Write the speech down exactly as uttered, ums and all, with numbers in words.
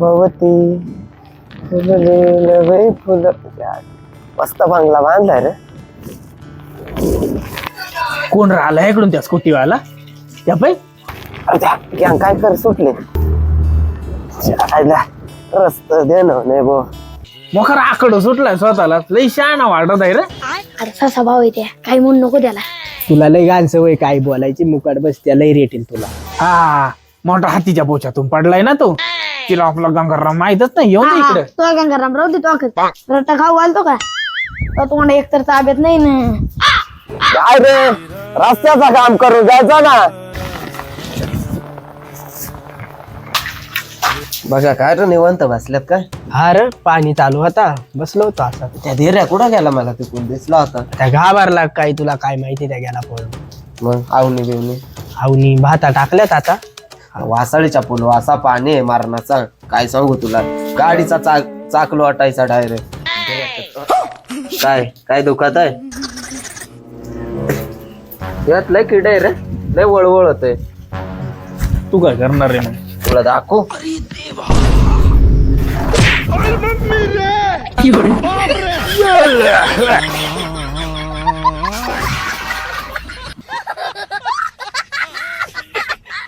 भवती फुलले नवे फुल. मस्त बंगला बांधलाय रे. कोण राहिला इकडून त्या स्कूटीवाला त्या पाय अरे त्या गॅंग काय कर सुटले. जायला रस्ता दे ना नाही बो. मोखर आकडं सुटलाय स्वतःला. लई शहाणा वाटत आहे रे. अरे ससा भाऊ येते काही म्हणू नको त्याला. तुला लय घाण सवय काय बोलायची. मुकाट बसत्या लय रेटेल तुला. हा मोठा हातीच्या बोच्यातून पडलाय ना तो. तिला आपला गंगाराम माहितच नाही. येऊन दे इकडे. तो गंगाराम राहू दे तो रट्टा खाऊ घालतो का तो तुम्हाला एकतर ताब्यात नाही ना. काय रे रस्त्याचं काम करून जायचं ना. बघा काय रे निवांत बसल्यात काय. हा रे पाणी चालू होता बसलो होतो असं. त्या धीर्या कुठं गेला मला तिकडून दिसला होता. त्या घाबरला काय तुला काय माहिती त्या गेला पळून. मग आवनी बिवणी आवनी भाता टाकल्यात आता. वासाळीच्या पूल वासा पाणी आहे मारणाचा. काय सांगू तुला गाडीचा चाक चाकलो वाटायचा डायरेक्ट. काय काय दुखत आहे. यात लय किड आहे रे. लय वळवळ होतय. तू काय करणार रे मग. तुला दाखवू. अरे